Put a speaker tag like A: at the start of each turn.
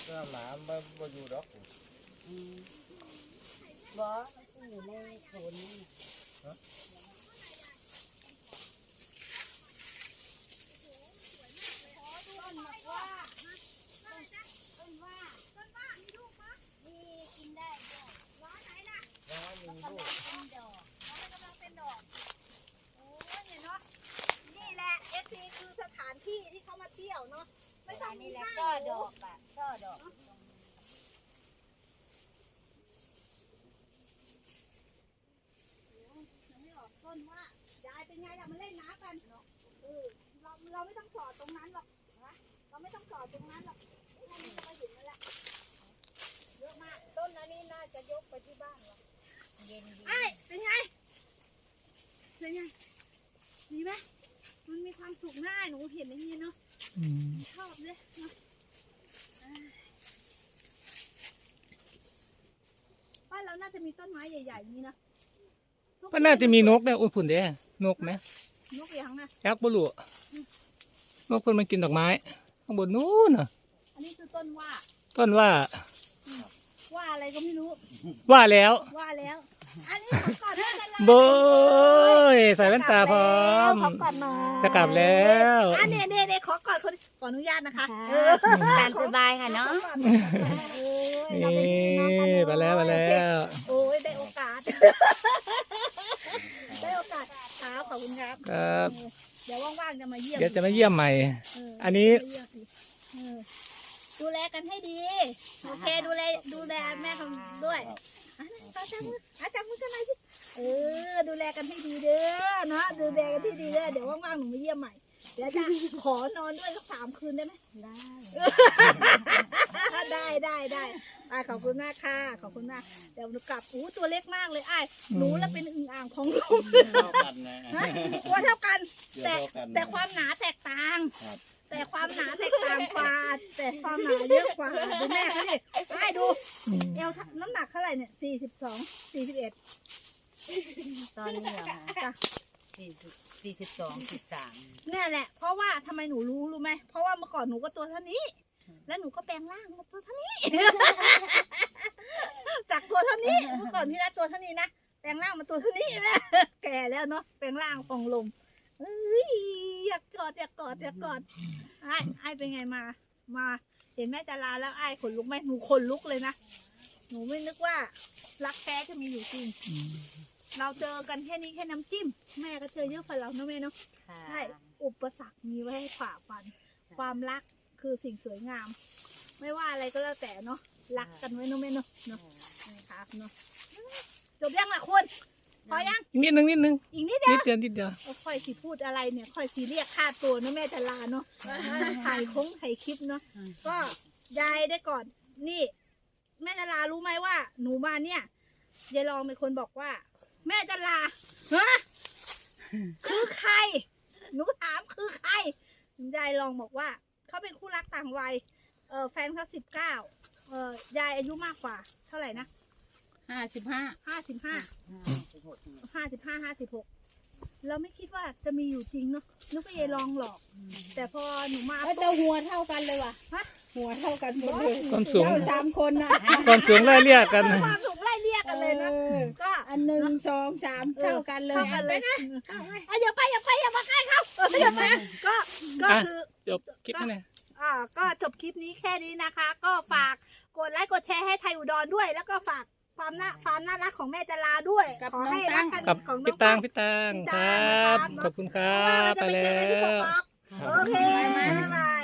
A: หมาไม่อยู่ดอก
B: บอมันจะอยู่ในโถนนี่ต้นมะว่าต้นว่ามีลูกปะมีกินได้ด้วยร้อนไหนล่ะ
A: ยังไม่มีลูก
B: เป็นดอก
C: มันกำลังเป็นดอกโอ้ยเนี่ยเนาะนี่แหละเอฟซีคือสถานที่ที่เขามาเที่ยวเนาะไม่ต้องมี
B: นี่แหละ
C: ข้าว
B: ก็ดอกอ่ะก็ดอก
C: ไม่ออกต้นว่ายายเป็นไงล่ะมาเล่นน้ำกันเราไม่ต้องจอดตรงนั้นหรอกเราไม่ต้องจอดตรงนั้นหรอกให้มันจะมาถึงนั่นแหละเยอะมากต้นนี้น่าจะยกไปที่บ้านหรอ
B: เย็นดี
C: เป็นไงดีไหมมันมีความสุขง่ายหนูเห็นอย่างนี้เนาะชอบเลยเนาะบ้านเราน่าจะมีต้นไม้ใหญ่ๆนี้นะ
D: ก็น่าจะมีนกเนี่ยอุ้ยฝุ่นเด้นกไหม
C: นกยังนะ
D: ยักษ์บุรุษนกคนมันกินดอกไม้ข้างบนนู้นน่ะ
C: อันนี้คือต้นว่าอะไรก็ไม่รู้
D: ว่าแล้ว
C: อันนี้ขอก่อนด้วยกันเลย
D: โบยใส่แว่นตาพร้อม
C: ขอก่อนหน่อย
D: จะกลับแล้ว
C: อันนี้ขอก่อนคนขออนุญาตนะคะ
B: ตามสบายค่ะเนาะ
D: มาแล้ว
C: โอ้ยได้โอกาสครับขอบคุณครับเดี๋ยวว่างๆจะมาเยี่ยม
D: เดี๋ยวจะมาเยี่ยมใหม่อันนี้
C: ดูแลกันให้ดีโอเคดูแลแม่ของด้วยจับมือกันหน่อยสิดูแลกันให้ดีเด้อเนาะดูแลกันที่ดีเด้อเดี๋ยวว่างๆหนูมาเยี่ยมใหม่เดี๋ยวจะขอนอนด้วยสัก3 คืนได้ไหมได้ขอบคุณมากค่ะขอบคุณมากเดี๋ยวหนูกลับตัวเล็กมากเลยหนูแล้วเป็นอึ่งอ่างของลุงตัวเท่ากันแต่ความหนาแตกต่างแต่ความหนาแตกต่างกว่าแต่ความหนาเยอะกว่าดูแม่เขาดิดูเอวน้ำหนักเท่าไหร่เนี่ย41
B: ตอนนี้เหรอคะ42 43
C: เนี่ยแหละเพราะว่าทำไมหนูรู้ไหมเพราะว่าเมื่อก่อนหนูก็ตัวเท่านี้แล้วหนูก็แปลงร่างมาตัวเท่านี้จากตัวเท่านี้เมื่อก่อนพี่นะตัวเท่านี้นะแปลงร่างมาตัวเท่านี้แม่แก่แล้วเนาะแปลงร่างฟองลมอยากกอดไอ้เป็นไงมาเห็นแม่จาราแล้วไอ้ขนลุกไหมหนูขนลุกเลยนะหนูไม่นึกว่ารักแท้จะมีอยู่จริงเราเจอกันแค่นี้แค่น้ำจิ้มแม่ก็เจอเยอะกว่าเราเนาะแม่เนาะใช่อุปสรรคมีไว้ให้ฝ่าฟันความรักคือสิ่งสวยงามไม่ว่าอะไรก็แล้วแต่เนาะรักกันไว้เนาะแม่เนาะนะครับเนาะจบยังล่ะคุณพอยัง
D: นิดนึงอีกนิดเดียว
C: ค่อยสิพูดอะไรเนี่ยค่อยสิเรียกค่าตัวนะแม่จาราเนาะถ่ายคลิปเนาะก็ยายได้ก่อนนี่แม่จารารู้ไหมว่าหนูมาเนี่ยยายรองเป็นคนบอกว่าแม่จาราคือใครหนูถามคือใครยายรองบอกว่าเขาเป็นคู่รักต่างวัยแฟนเขา19ยายอายุมากกว่าเท่าไหร่นะ55เราไม่คิดว่าจะมีอยู่จริงเนาะนึกว่ายายรองหลอกแต่พอหนูมา
B: แต่หัวเท่ากันเลยว่ะหัวเท่ากันหมดเลย
D: ความสูง
B: 3 คนนะ
D: ความสูงไล่เรียกกัน
C: ความสูงไล่เรียกกันเลยนะก็
B: อัน1 2 3เท่ากันเลย
C: อย่ามาใกล้เขาก็คือ
D: จบคลิปนี่
C: ก็จบคลิปนี้แค่นี้นะคะก็ฝากกดไลค์กดแชร์ให้ไทยอุดรด้วยแล้วก็ฝากความน่ารักของแม่จาราด้วยขอให้รักกัน
D: ของพี่ตังครับขอบคุณครับไปแล้ว
C: โอเคบ๊ายบาย